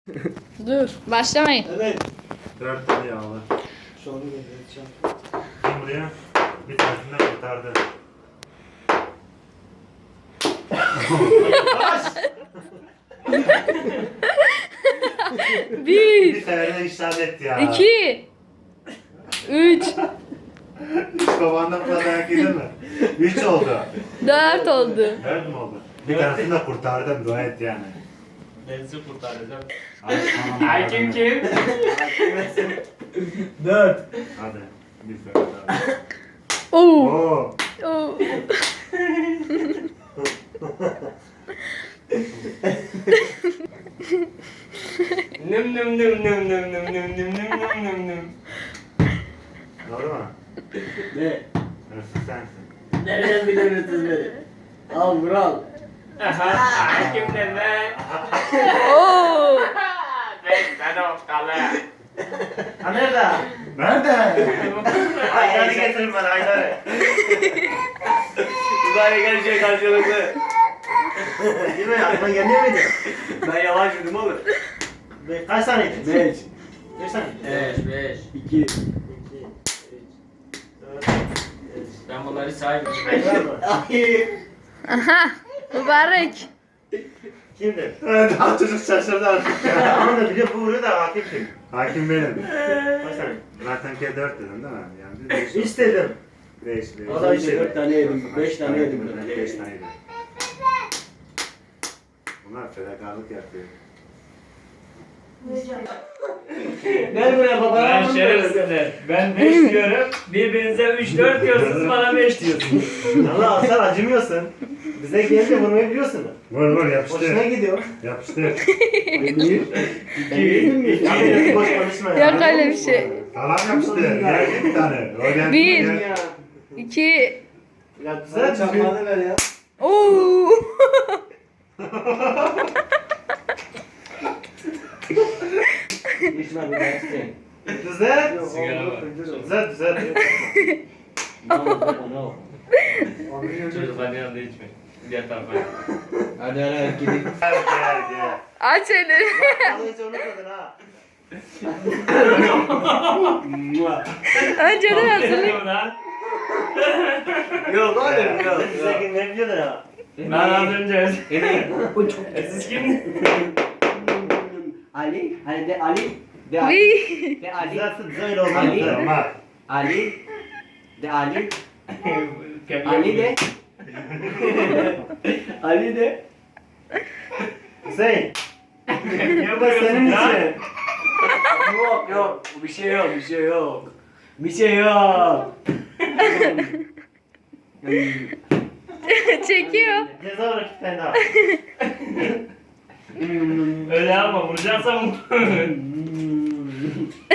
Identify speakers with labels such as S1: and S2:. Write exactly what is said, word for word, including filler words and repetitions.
S1: Dur, başlamayın.
S2: Evet.
S3: Dört tane yağlı.
S2: Şu onu getireceğim.
S3: Kim buraya? Bir tanesinden kurtardı.
S1: Bir,
S3: Bir tane de işaret ya.
S1: iki, üç,
S3: Hiç babandan falan dayak yedin mi? Üç oldu.
S1: dört oldu.
S3: Dört mü oldu? Bir tanesini de kurtardım, dua et yani.
S4: Ben sizi kurtaracağım.
S3: Ay, aman
S4: Hakim kim?
S2: Dört.
S3: Hadi. Bir sefer daha.
S1: Oo.
S3: Oo.
S1: Oo.
S4: Nım nım nım nım nım nım nım nım nım nım nım nım.
S3: Doğru mu?
S2: Ne?
S3: Hırsız sensin.
S2: Nereden biliyorsunuz beni? Al Vural.
S4: Aha, hakim de ben.
S1: Oo.
S4: Ben ben okkalı.
S2: Ha nerede?
S3: Nerede? Ayları getirin bana, ayları.
S4: Uzay gelecek karşılıklı.
S2: Değil mi? Aklına gelmiyor muydu?
S4: Ben yavaş yürüdüm oğlum.
S2: Be kaç taneydi? Beş. Beş tane.
S4: Beş beş.
S2: İki. İki. Üç. Dört. Beş.
S4: Ben bunları saymıyorum.
S2: Var mı? Ay.
S1: Aha. Mübarek.
S2: Kimdi?
S3: Daha çocuk şaşırdı artık ya.
S2: Ama da biliyor bu vuruyor da hakim kim?
S3: Hakim benim.
S2: Kaç tane?
S3: Zaten ki dört dedim değil mi? Yani beş.
S2: Üç dedim.
S3: Beş, beş.
S2: O da işte dört tane yedim. Beş tane yedim.
S3: Ben beş tane yedim. Bunlar fedakarlık yapıyor.
S2: Gel buraya baba.
S4: Ben şerefsizler. Ben beş diyorum. Birbirinize üç dört diyorsunuz, bana beş diyorsunuz.
S2: Allah sen acımıyorsun. Bize gelince vurmayı biliyorsun.
S3: Vur vur
S2: Hoşuna
S3: yapıştır.
S2: gidiyor.
S3: Yapıştır.
S2: Bir. İki. Mi? Ya boş konuşma ya.
S1: Yok öyle bir şey.
S3: Sağlam yapıştır. Geldi bir tane. O geldi.
S1: Bir.
S3: Gel.
S2: Ya.
S1: İki.
S2: Ya güzel çakmağı ver ya.
S1: Oo.
S2: İçme bir daha isteyeyim. Güzel.
S4: Sigara var.
S2: Güzel güzel.
S4: Çocukların yanında içmeyin. Diğer tarafa.
S2: Hadi hadi gidelim.
S3: Gel gel gel.
S1: Aç elini.
S2: Vallahi hiç unutmadın ha.
S1: Önceden hazırlayın.
S4: Lan.
S2: Yok oğlum yok.
S4: Bize
S2: Bize ne biliyordun ha?
S4: Ben az önce.
S2: Bu çok
S4: E siz kim?
S5: Ali, hani de Ali, de Ali,
S1: Bir.
S5: de Ali,
S2: Güzelsin güzel oldu.
S5: Ali.
S3: Ama
S5: Ali, de Ali,
S4: Kemiğe
S5: Ali de, Ali de,
S2: Hüseyin.
S4: Kemiğe
S2: Bu da senin
S4: vuruyorsun lan.
S2: için.
S5: yok yok, bir şey yok, bir şey yok, bir şey yok.
S1: Çekiyor.
S2: Ceza olarak iki tane daha.
S4: Öyle yapma, vuracaksam vur.